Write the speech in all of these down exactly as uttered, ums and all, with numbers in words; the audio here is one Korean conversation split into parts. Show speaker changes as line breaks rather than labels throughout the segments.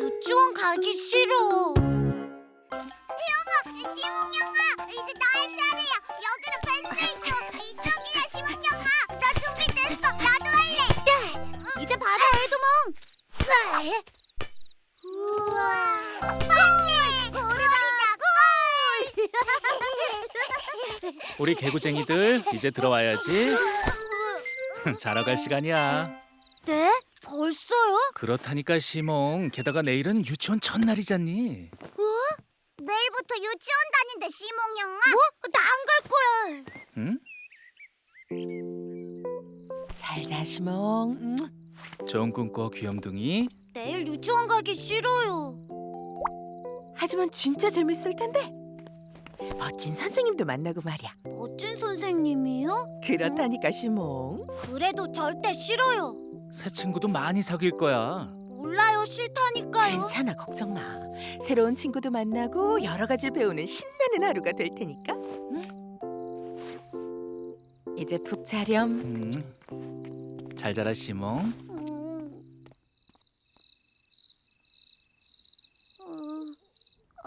유치원 가기 싫어.
시몽영아, 이제 나의 차례야. 여기는 펜스이죠. 이쪽이야, 시몽영아. 나 준비됐어. 나도 할래.
네, 이제 받아, 에드몽. 네.
우와. 안돼. 우리다.
우리 개구쟁이들 이제 들어와야지. 자러 갈 시간이야.
네? 벌써요?
그렇다니까 시몽. 게다가 내일은 유치원 첫날이잖니.
내일부터 유치원 다닌대, 시몽영아.
뭐? 나 안 갈 거야.
응?
잘 자, 시몽. 음.
좋은 꿈 꿔, 귀염둥이.
내일 유치원 가기 싫어요.
하지만 진짜 재밌을 텐데. 멋진 선생님도 만나고 말이야.
멋진 선생님이요?
그렇다니까, 시몽.
그래도 절대 싫어요.
새 친구도 많이 사귈 거야.
몰라요, 싫다니까요.
괜찮아, 걱정 마. 새로운 친구도 만나고 여러 가지를 배우는 신나는 하루가 될 테니까. 응? 이제 푹 자렴.
음. 잘 자라 시몽.
음. 어, 어,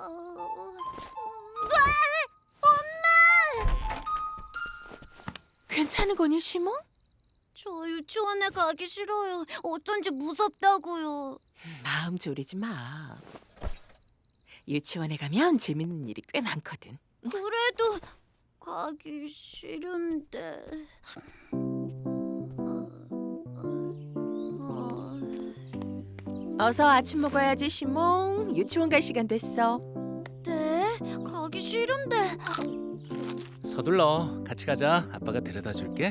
괜찮은 거니, 시몽?
저 유치원에 가기 싫어요. 어쩐지 무섭다고요.
마음 졸이지 마. 유치원에 가면 재밌는 일이 꽤 많거든.
그래도 가기 싫은데.
어서 아침 먹어야지, 시몽. 유치원 갈 시간 됐어.
네, 가기 싫은데.
서둘러. 같이 가자. 아빠가 데려다 줄게.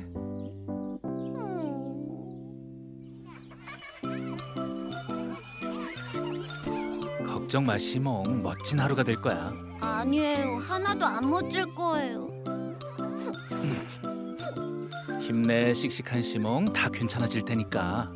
걱정 마, 시몽. 멋진 하루가 될 거야.
아니에요, 하나도 안 멋질 거예요.
힘내, 씩씩한 시몽. 다 괜찮아질 테니까.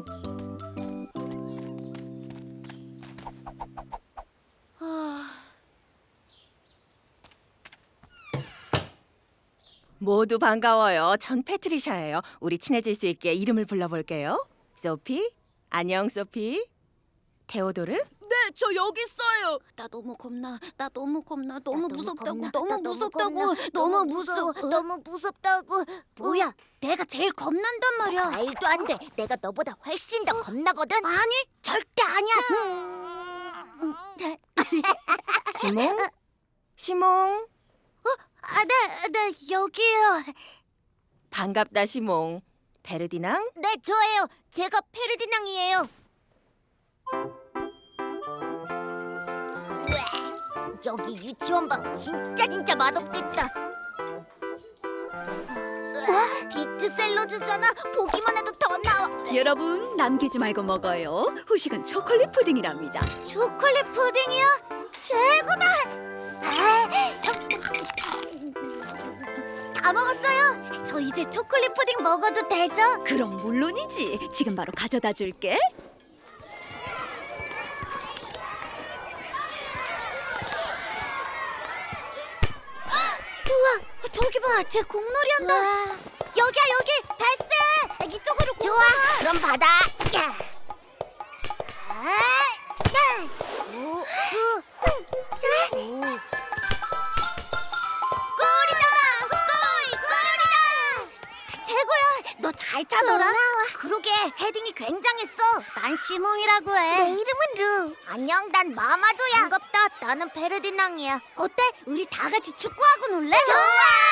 모두 반가워요. 전 패트리샤예요. 우리 친해질 수 있게 이름을 불러볼게요. 소피, 안녕 소피. 테오도르?
네, 저 여기 있어요. 나 너무 겁나. 나 너무 겁나. 너무
나
무섭다고.
겁나.
너무
나 너무
무섭다고.
겁나.
너무 무서워.
너무 무섭다고.
뭐야? 내가 제일 겁난단 말이야.
말도 안 돼. 내가 너보다 훨씬 더 겁나거든.
아니, 절대 아니야. 음.
시몽? 시몽?
아, 네, 네, 여기요.
반갑다 시몽. 베르디낭?
네, 저예요. 제가 페르디낭이에요. 으악, 여기 유치원 밥 진짜 진짜 맛없겠다. 으악, 비트 샐러드잖아. 보기만 해도 더 나와.
여러분 남기지 말고 먹어요. 후식은 초콜릿 푸딩이랍니다.
초콜릿 푸딩이요? 최고다. 아, 다 먹었어요. 저 이제 초콜릿 푸딩 먹어도 되죠?
그럼 물론이지. 지금 바로 가져다 줄게.
우와, 저기 봐, 쟤 공놀이 한다. 여기야, 여기. 됐어. 이쪽으로
좋아, 그럼 받아. 야. 아, 야. 오, 오. 오.
골이다! 골! 골이다! 최고야! 너 잘 차더라? 그러게, 헤딩이 굉장했어. 난 시몽이라고 해.
내 이름은 루. 안녕, 난 마마도야. 반갑다. 나는 페르디낭이야.
어때? 우리 다 같이 축구하고 놀래?
좋아.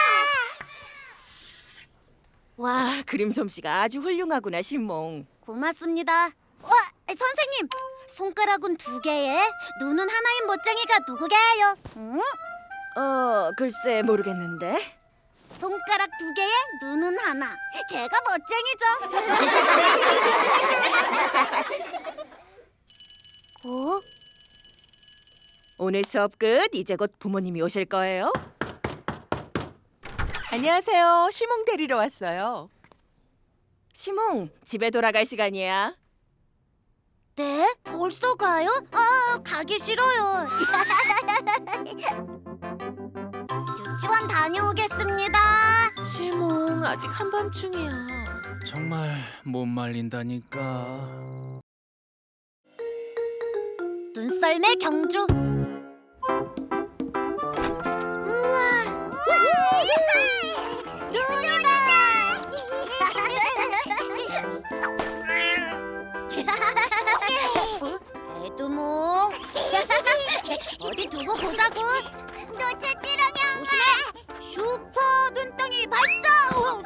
와, 그림 솜씨가 아주 훌륭하구나 시몽.
고맙습니다. 와, 선생님! 손가락은 두 개에 눈은 하나인 멋쟁이가 누구게요? 응?
어, 글쎄 모르겠는데.
손가락 두 개에 눈은 하나. 제가 멋쟁이죠. 어?
오늘 수업 끝. 이제 곧 부모님이 오실 거예요.
안녕하세요. 시몽 데리러 왔어요.
시몽, 집에 돌아갈 시간이야.
네? 벌써 가요? 아, 가기 싫어요. 유치원 다녀오겠습니다.
시몽, 아직 한밤중이야.
정말 못 말린다니까.
썰매 경주. 우와, 어? 에드몽. 어디 두고 보자고.
놓쳤지롱 형아.
조심해. 슈퍼 눈덩이 발사.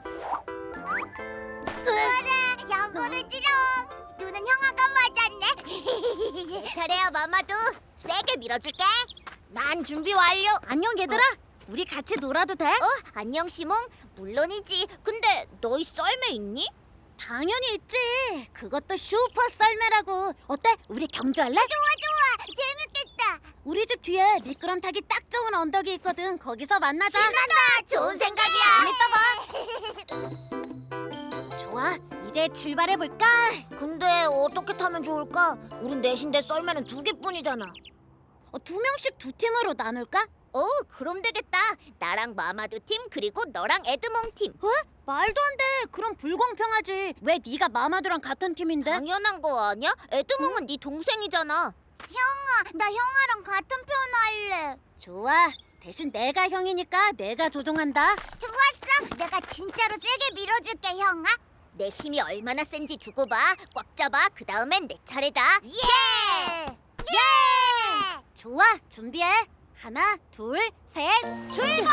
그래 영어르지롱. 눈은 형아가 맞았네.
잘해요, 마마도. 세게 밀어줄게. 난 준비 완료. 안녕, 얘들아. 우리 같이 놀아도 돼? 어, 안녕, 시몽. 물론이지. 근데 너희 썰매 있니? 당연히 있지. 그것도 슈퍼 썰매라고. 어때? 우리 경주할래?
좋아 좋아 재밌겠다.
우리 집 뒤에 미끄럼 타기 딱 좋은 언덕이 있거든. 거기서 만나자.
신난다. 좋은 생각이야.
이따 봐. 좋아. 이제 출발해 볼까? 근데 어떻게 타면 좋을까? 우린 넷인데 썰매는 두 개뿐이잖아. 어, 두 명씩 두 팀으로 나눌까? 어, 그럼 되겠다. 나랑 마마두 팀 그리고 너랑 에드몽 팀. 어? 말도 안 돼. 그럼 불공평하지. 왜 네가 마마두랑 같은 팀인데? 당연한 거 아니야? 에드몽은 네 동생이잖아.
형아 나 형아랑 같은 편 할래.
좋아. 대신 내가 형이니까 내가 조종한다.
좋았어. 내가 진짜로 세게 밀어줄게 형아.
내 힘이 얼마나 센지 두고 봐. 꽉 잡아. 그 다음엔 내 차례다.
예.
예! 좋아. 준비해. 하나, 둘, 셋, 출발!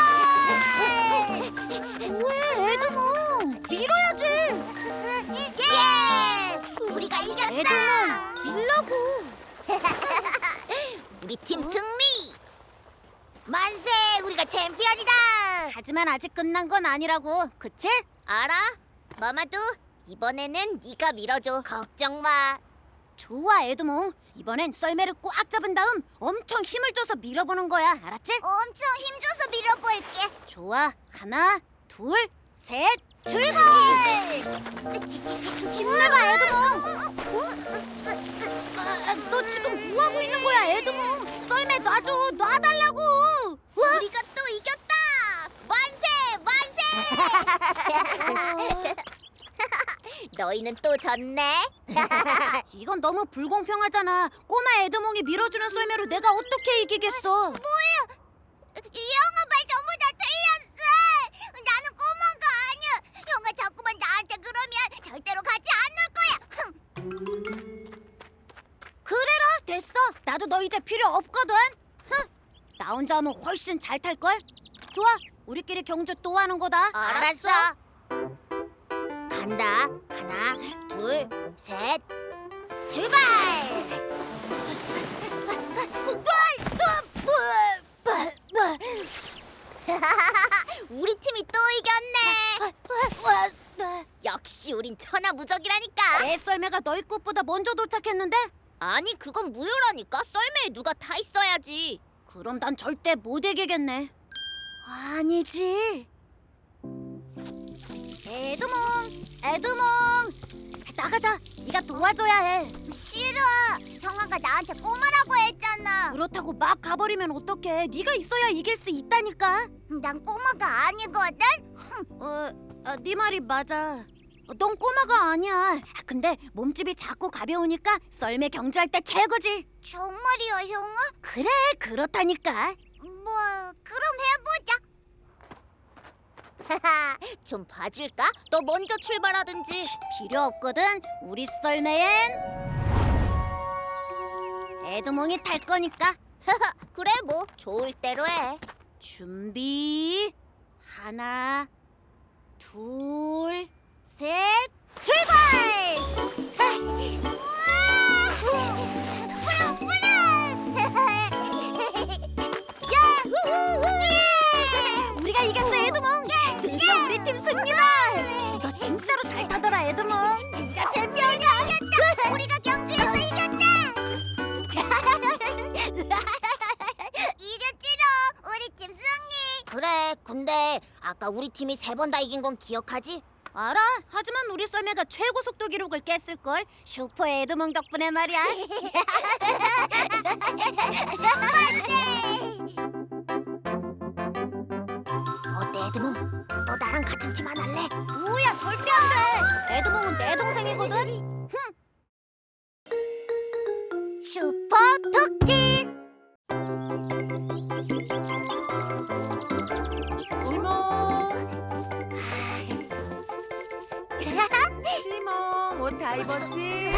왜, 에드몽? 밀어야지.
예. 우리가 이겼다.
에드몽, 밀라고. 우리 팀 승리.
만세. 우리가 챔피언이다.
하지만 아직 끝난 건 아니라고. 그치? 알아. 마마두, 이번에는 네가 밀어줘. 걱정 마. 좋아, 에드몽. 이번엔 썰매를 꽉 잡은 다음 엄청 힘을 줘서 밀어보는 거야. 알았지?
엄청 힘줘서 밀어볼게.
좋아. 하나, 둘, 셋, 출발! 힘내봐, 에드몽. 아, 너 지금 뭐 하고 있는 거야, 에드몽? 썰매 놔줘. 놔달라고. 우리가 또 이겼다. 만세, 만세. 너희는 또 졌네. 이건 너무 불공평하잖아. 꼬마 에드몽이 밀어주는 썰매로 내가 어떻게 이기겠어?
이 형아 말 전부 다 틀렸어. 나는 꼬마가 아니야. 형아 자꾸만 나한테 그러면 절대로 같이 안 놀 거야.
그래라. 됐어. 나도 너 이제 필요 없거든. 흥. 나 혼자 하면 훨씬 잘 탈걸. 좋아. 우리끼리 경주 또 하는 거다.
알았어.
간다. 하나, 둘, 셋, 출발! 우리 팀이 또 이겼네. 역시 우린 천하무적이라니까. 내 썰매가 너희 꽃보다 먼저 도착했는데? 아니, 그건 무효라니까. 썰매에 누가 타 있어야지. 그럼 난 절대 못 이기겠네. 아니지. 에드몽, 에드몽, 나가자. 네가 도와줘야 해.
싫어. 형아가 나한테 꼬마라고 했잖아.
그렇다고 막 가버리면 어떡해. 네가 있어야 이길 수 있다니까.
난 꼬마가 아니거든.
어, 아, 네 말이 맞아. 어, 넌 꼬마가 아니야. 근데 몸집이 작고 가벼우니까 썰매 경주할 때 최고지.
정말이야 형아?
그래, 그렇다니까.
뭐 그럼 해보자.
좀 봐줄까? 너 먼저 출발하든지. 필요 없거든. 우리 썰매엔 에드몽이 탈 거니까. 그래, 뭐 좋을 대로 해. 준비. 하나, 둘, 셋, 출발! 우리가 이겼어, 에드몽. 드디어 우리 팀 승리다. 너 진짜로 잘 타더라, 에드몽. 네가 챔피언이야.
우리가 경주에서 이겼다. 이겼지롱. 우리 팀 승리.
그래, 근데 아까 우리 팀이 세 번 다 이긴 건 기억하지? 알아. 하지만 우리 썰매가 최고 속도 기록을 깼을걸. 슈퍼 에드몽 덕분에 말이야. 어때, 에드몽? 너 나랑 같은 팀 안 할래? 뭐야, 절대 안 돼. 에드몽은 내 동생이거든.
슈퍼 토끼.
시몽, 옷 다 입었지?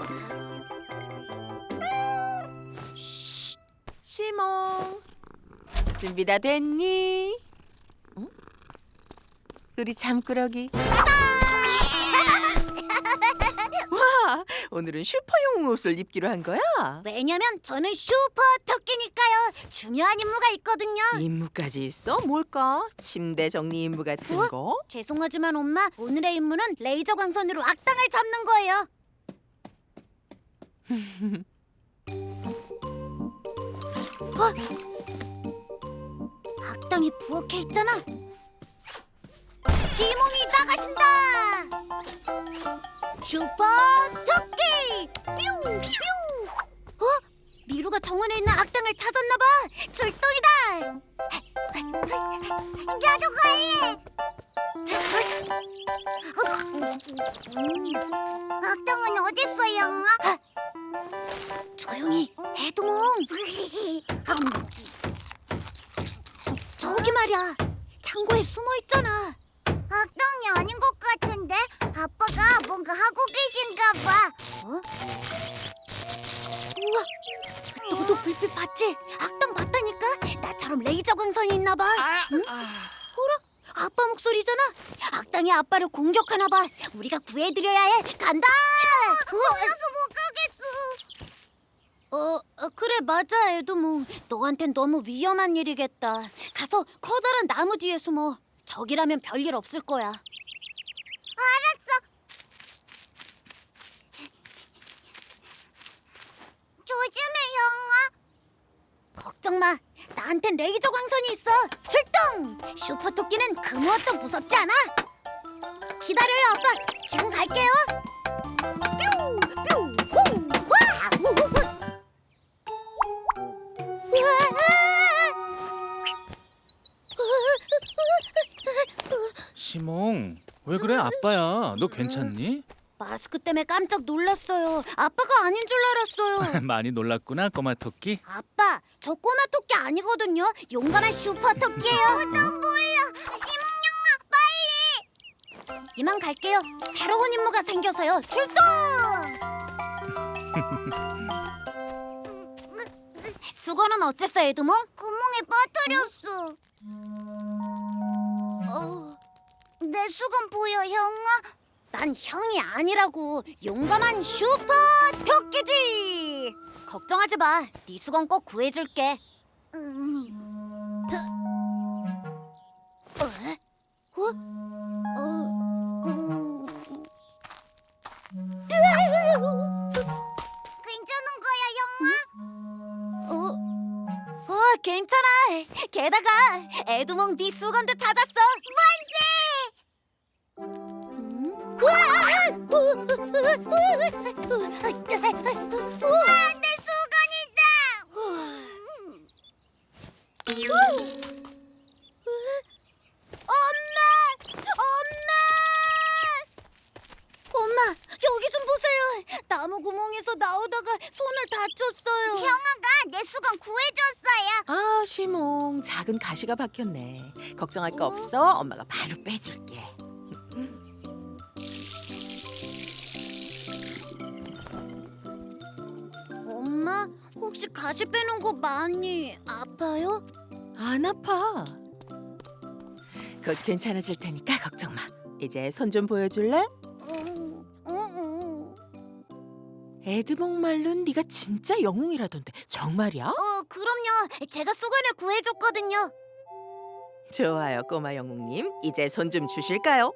시몽, 준비 다 됐니? 응? 우리 잠꾸러기. 와, 오늘은 슈퍼용 옷을 입기로 한 거야?
왜냐면 저는 슈퍼 토끼니까요. 중요한 임무가 있거든요.
임무까지 있어? 뭘까? 침대 정리 임무 같은
어?
거?
죄송하지만 엄마, 오늘의 임무는 레이저 광선으로 악당을 잡는 거예요. 어? 악당이 부엌에 있잖아. 지몽이 나가신다. 슈퍼 토끼 뾰 뾰. 어? 미루가 정원에 있는 악당을 찾았나 봐. 출동이다.
나도 갈래. 악당은 어딨어, 영아?
조용히, 해도몽. 저기 말이야, 창고에 숨어 있잖아.
악당이 아닌 것 같은데? 아빠가 뭔가 하고 계신가 봐.
어? 우와, 너도 불빛 봤지? 악당 봤다니까? 나처럼 레이저 광선이 있나 봐. 응? 어라? 아빠 목소리잖아. 악당이 아빠를 공격하나 봐. 우리가 구해드려야 해. 간다.
혼자서 못 가겠어.
어, 어, 그래 맞아 에드몽. 너한텐 너무 위험한 일이겠다. 가서 커다란 나무 뒤에 숨어. 적이라면 별일 없을 거야.
알았어. 조심해, 영아.
걱정 마. 나한텐 레이저 광선이 있어. 출동! 슈퍼 토끼는 그 무엇도 무섭지 않아. 기다려요, 아빠. 지금 갈게요. 뾰! 뾰! 호! 와! 우, 우, 우.
시몽, 왜 그래? 아빠야. 너 괜찮니?
마스크 때문에 깜짝 놀랐어요. 아빠가 아닌 줄 알았어요.
많이 놀랐구나, 꼬마 토끼.
아빠, 저 꼬마 토끼 아니거든요. 용감한 슈퍼 토끼예요.
나 몰라. 시몽 영아, 빨리.
이만 갈게요. 새로운 임무가 생겨서요. 출동! 수건은 어땠어, 에드몽?
구멍에 빠뜨렸어.
어,
내 수건 보여, 형아?
난 형이 아니라고. 용감한 슈퍼 토끼지. 걱정하지 마. 네 수건 꼭 구해줄게.
음.
어? 어? 어? 음.
괜찮은 거야, 형아?
어? 어, 괜찮아. 게다가 에드몽 네 수건도 찾았어. 음? 우와!
우와, 내 수건이다.
엄마! 엄마! 엄마, 여기 좀 보세요. 나무 구멍에서 나오다가 손을 다쳤어요.
형아가 내 수건 구해줬어요.
아, 시몽, 작은 가시가 박혔네. 걱정할 거 없어. 엄마가 바로 빼줄게.
엄마, 혹시 가시 빼는 거 많이 아파요?
안 아파. 곧 괜찮아질 테니까 걱정 마. 이제 손 좀 보여줄래?
어, 어, 어.
에드몽 말론 네가 진짜 영웅이라던데 정말이야?
어, 그럼요. 제가 수건을 구해줬거든요.
좋아요, 꼬마 영웅님. 이제 손 좀 주실까요?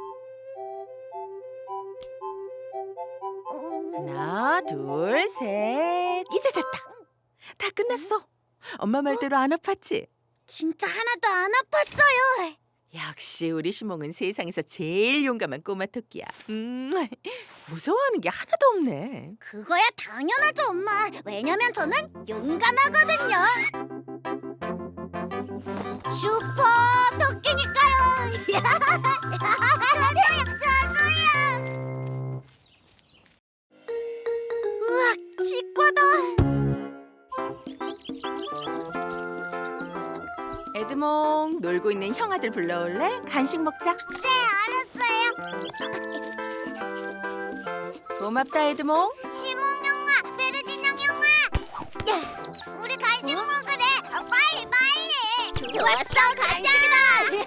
어,
하나, 둘, 셋. 이제 됐다. 다 끝났어. 엄마 말대로 안 아팠지?
진짜 하나도 안 아팠어요.
역시 우리 시몽은 세상에서 제일 용감한 꼬마 토끼야. 음, 무서워하는 게 하나도 없네.
그거야 당연하죠, 엄마. 왜냐면 저는 용감하거든요. 슈퍼 토끼니까요. 저도요, 저도요. 우와, 치과다.
에드몽, 놀고 있는 형아들 불러올래? 간식 먹자.
네, 알았어요.
고맙다 에드몽.
시몬 형아, 베르디낭 형아. 우리 간식 먹으래. 아, 빨리 빨리. 좋았어, 간식이다.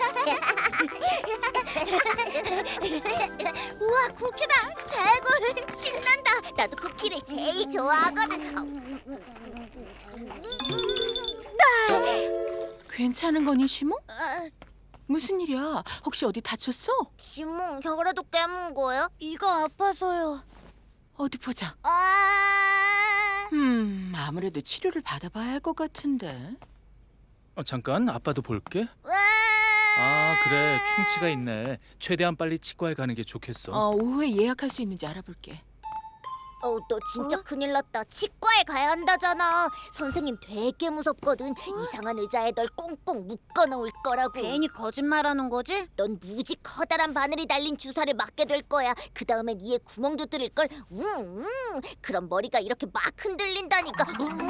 우와, 쿠키다. 최고. 신난다. 나도 쿠키를 제일 좋아하거든. 어.
괜찮은 거니 시몽?
아,
무슨 일이야? 혹시 어디 다쳤어?
시몬 혀라도 깨문 거야? 이가 아파서요.
어디 보자.
아.
음, 아무래도 치료를 받아봐야 할 것 같은데.
어, 잠깐 아빠도 볼게.
와.
아 그래 충치가 있네. 최대한 빨리 치과에 가는 게 좋겠어.
어, 오후에 예약할 수 있는지 알아볼게.
어, 너 진짜 큰일 났다. 치과에 가야 한다잖아. 선생님 되게 무섭거든. 이상한 의자에 널 꽁꽁 묶어 놓을 거라고.
괜히 거짓말하는 거지?
넌 무지 커다란 바늘이 달린 주사를 맞게 될 거야. 그 다음엔 이에 구멍도 뚫릴 걸. 웅, 웅. 그럼 머리가 이렇게 막 흔들린다니까.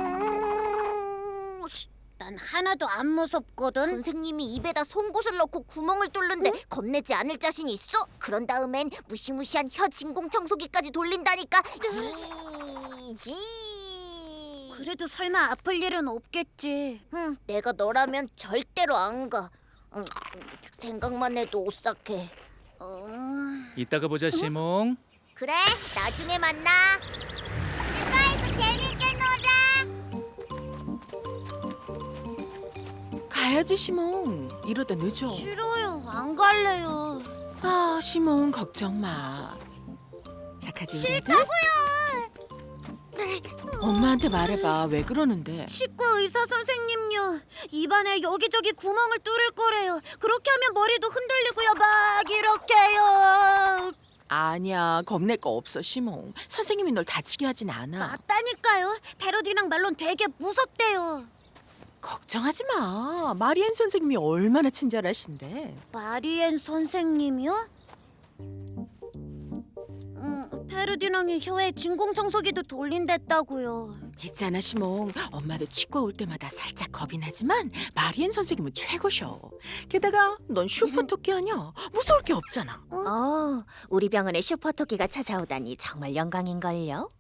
웅.
난 하나도 안 무섭거든.
선생님이 입에다 송곳을 넣고 구멍을 뚫는데 겁내지 않을 자신 있어? 그런 다음엔 무시무시한 혀 진공 청소기까지 돌린다니까. 지, 지.
그래도 설마 아플 일은 없겠지.
응, 내가 너라면 절대로 안 가. 응, 생각만 해도 오싹해.
어...
이따가 보자 시몽.
그래, 나중에 만나. 치과에서 재밌게 놀아.
가야지 시몽. 이러다 늦어.
싫어요. 안 갈래요.
아, 시몽 걱정 마. 착하지 우리 애들? 엄마한테 말해봐. 왜 그러는데?
치과 의사 선생님요. 입안에 여기저기 구멍을 뚫을 거래요. 그렇게 하면 머리도 흔들리고요. 막 이렇게요.
아니야, 겁낼 거 없어 시몽. 선생님이 널 다치게 하진 않아.
맞다니까요. 패러디랑 말론 되게 무섭대요.
걱정하지 마. 마리엔 선생님이 얼마나 친절하신데.
마리엔 선생님이요? 음, 페르디낭이 혀에 진공청소기도 돌린댔다고요.
있잖아 시몽. 엄마도 치과 올 때마다 살짝 겁이 나지만 마리엔 선생님은 최고셔. 게다가 넌 슈퍼토끼 아니야. 무서울 게 없잖아.
어, 우리 병원에 슈퍼토끼가 찾아오다니 정말 영광인걸요.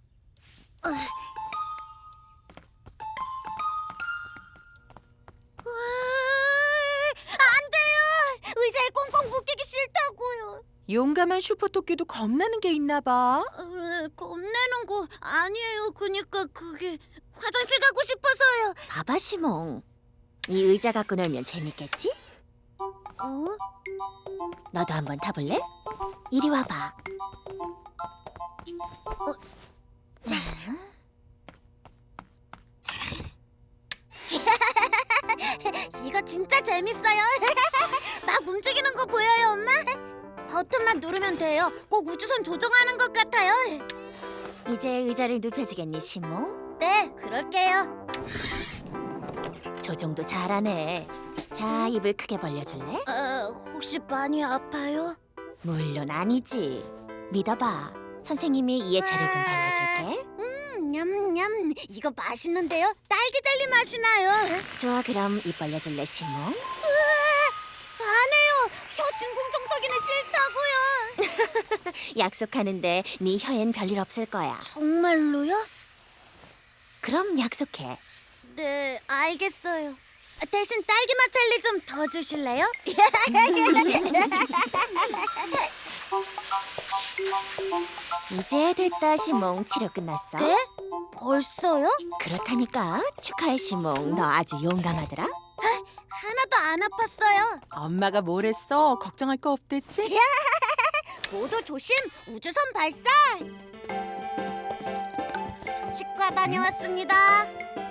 안 돼요. 의자에 꽁꽁 묶이기 싫다고요.
용감한 슈퍼토끼도 겁나는 게 있나 봐.
어, 겁내는 거 아니에요. 그니까 그게 화장실 가고 싶어서요.
봐봐 시몽. 이 의자 갖고 놀면 재밌겠지?
어?
너도 한번 타볼래? 이리 와봐.
이거 진짜 재밌어요. 막 움직이는 거 보여요, 엄마? 버튼만 누르면 돼요. 꼭 우주선 조종하는 것 같아요.
이제 의자를 눕혀주겠니 시몽?
네, 그럴게요.
조종도 잘하네. 자, 입을 크게 벌려줄래?
어, 혹시 많이 아파요?
물론 아니지. 믿어봐. 선생님이 이에 재료 좀 발라줄게.
음, 냠냠. 이거 맛있는데요? 딸기 젤리 맛이 나요.
좋아, 그럼 입 벌려줄래 시몽?
안 해요. 혀 진공청소기는 싫다고요.
약속하는데 네 혀엔 별일 없을 거야.
정말로요?
그럼 약속해.
네, 알겠어요. 대신 딸기 맛 젤리 좀 더 주실래요?
이제 됐다 시몽. 치료 끝났어?
네? 벌써요?
그렇다니까. 축하해 시몽. 너 아주 용감하더라.
하나도 안 아팠어요.
엄마가 뭘 했어? 걱정할 거 없댔지?
모두 조심. 우주선 발사. 치과 다녀왔습니다.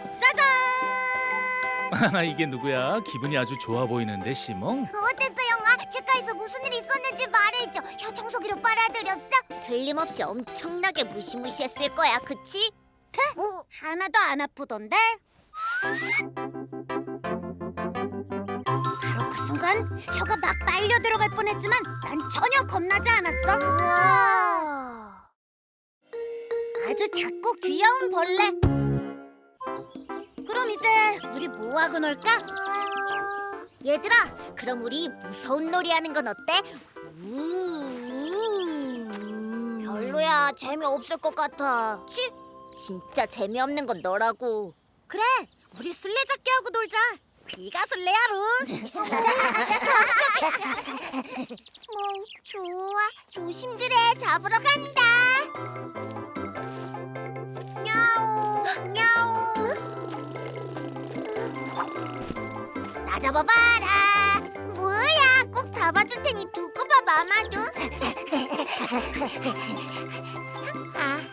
짜잔.
이게 누구야? 기분이 아주 좋아 보이는데 시몽.
어땠어, 영아? 치과에서 무슨 일이 있었는지 말해줘. 혀 청소기로 빨아들였어? 틀림없이 엄청나게 무시무시했을 거야, 그치?
어, 하나도 안 아프던데? 바로 그 순간 혀가 막 빨려 들어갈 뻔했지만 난 전혀 겁나지 않았어.
우와.
아주 작고 귀여운 벌레. 그럼 이제 우리 뭐 하고 놀까?
얘들아, 그럼 우리 무서운 놀이 하는 건 어때?
별로야. 재미없을 것 같아.
치, 진짜 재미없는 건 너라고.
그래, 우리 술래잡기 하고 놀자. 네가 술래야로.
뭐 좋아, 조심들 해. 잡으러 간다. 냐옹, 냐옹. 나 잡아봐라. 뭐야, 꼭 잡아줄 테니 두고 봐, 마마도. 아하.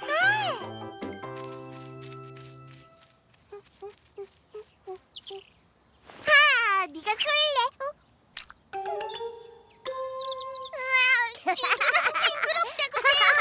하, 네가 술래. 어? 으아, 징그럽다고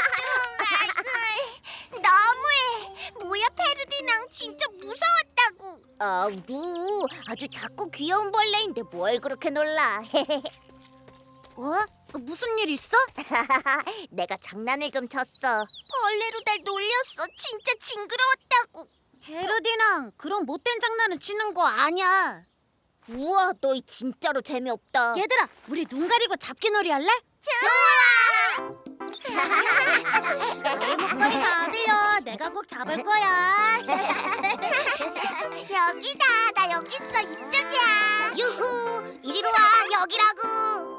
떼어줘. 너무해. 뭐야, 페르디낭, 진짜 무서웠다고. 아우, 아주 작고 귀여운 벌레인데 뭘 그렇게 놀라.
어? 무슨 일 있어?
내가 장난을 좀 쳤어. 벌레로 날 놀렸어. 진짜 징그러웠다고.
헤르디낭, 그런 못된 장난은 치는 거 아니야.
우와, 너희 진짜로 재미없다.
얘들아, 우리 눈 가리고 잡기 놀이 할래?
좋아.
내 목소리 다 들려. 내가 꼭 잡을 거야.
여기다. 나 여기 있어. 이쪽이야. 유후. 이리로 와. 여기라고.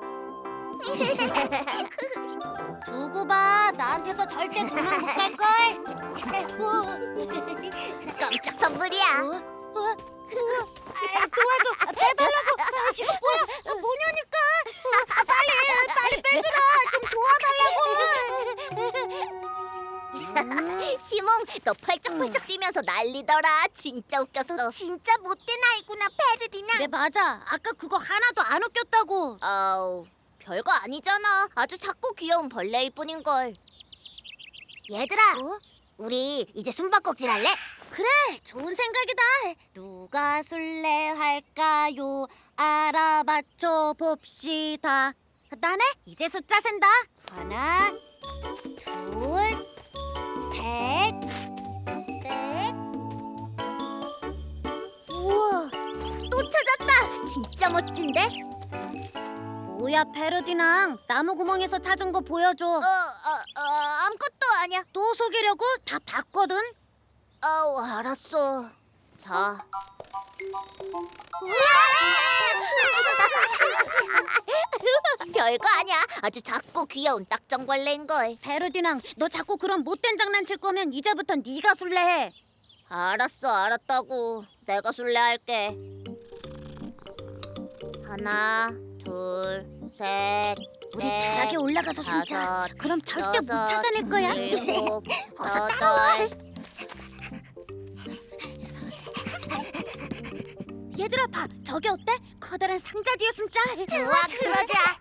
두고 봐. 나한테서 절대 도망 못 갈걸.
깜짝 선물이야.
어? 어? 아, 도와줘. 빼달라고. 아, 이거 뭐야? 아, 뭐냐니까. 아, 빨리, 빨리 빼주라. 좀 도와달라고.
시몽, 너 펄쩍펄쩍 뛰면서 난리더라. 진짜 웃겼어. 진짜 못된 아이구나, 페르디나.
그래, 맞아. 아까 그거 하나도 안 웃겼다고.
아우, 별거 아니잖아. 아주 작고 귀여운 벌레일 뿐인걸.
얘들아,
어?
우리 이제 숨바꼭질 할래? 그래, 좋은 생각이다. 누가 술래할까요? 알아맞혀 봅시다. 나네, 이제 숫자 센다. 하나, 둘, 셋, 넷.
우와, 또 찾았다. 진짜 멋진데?
뭐야, 페르디낭. 나무 구멍에서 찾은 거 보여줘.
어, 어, 어, 아무것도 아니야.
또 속이려고? 다 봤거든.
아우, 알았어. 자. 별거 아니야. 아주 작고 귀여운 딱정벌레인걸.
페르디낭, 너 자꾸 그런 못된 장난 칠 거면 이제부터 네가 술래해.
알았어, 알았다고. 내가 술래할게. 하나, 둘, 셋,
우리
넷,
다락에 올라가서 숨자.
다섯,
그럼 절대 못
여섯,
찾아낼 거야.
일곱,
어서
여덟.
따라와. 얘들아, 봐. 저기 어때? 커다란 상자 뒤에 숨자.
좋아, 그러자.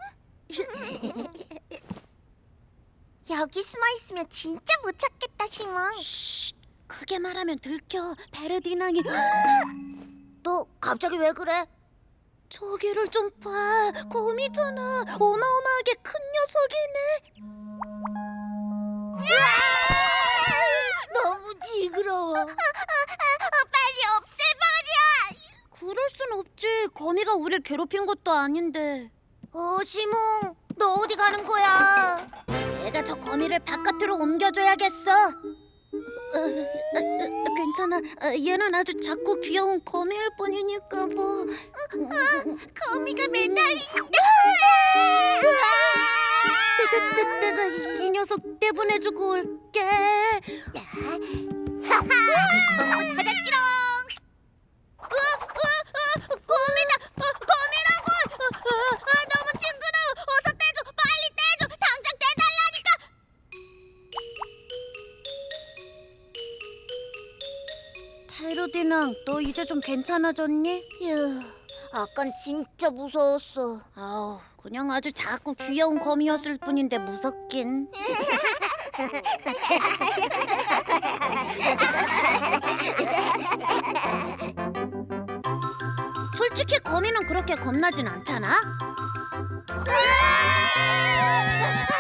여기 숨어 있으면 진짜 못 찾겠다, 시몬.
쉿, 크게 말하면 들켜. 베르디낭이. 너 갑자기 왜 그래? 저기를 좀 봐. 곰이잖아. 어마어마하게 큰 녀석이네. 너무 징그러워.
빨리 없애버려.
그럴 순 없지. 거미가 우릴 괴롭힌 것도 아닌데. 어, 시몽, 너 어디 가는 거야? 내가 저 거미를 바깥으로 옮겨줘야겠어. 어, 어, 어, 괜찮아. 어, 얘는 아주 작고 귀여운 거미일 뿐이니까 뭐.
거미가 매달린다.
내, 내, 내가 이 녀석 떼보내주고 올게.
너무 찾았지롱. 어, 어, 어, 거미다. 어, 거미라고. 어, 어, 어, 너무 징그러워. 어서 떼줘. 빨리 떼줘. 당장 떼달라니까.
페르디낭, 너 이제 좀 괜찮아졌니?
휴, 아깐 진짜 무서웠어.
아우, 그냥 아주 작고 귀여운 거미였을 뿐인데 무섭긴. 솔직히 거미는 그렇게 겁나진 않잖아.
아!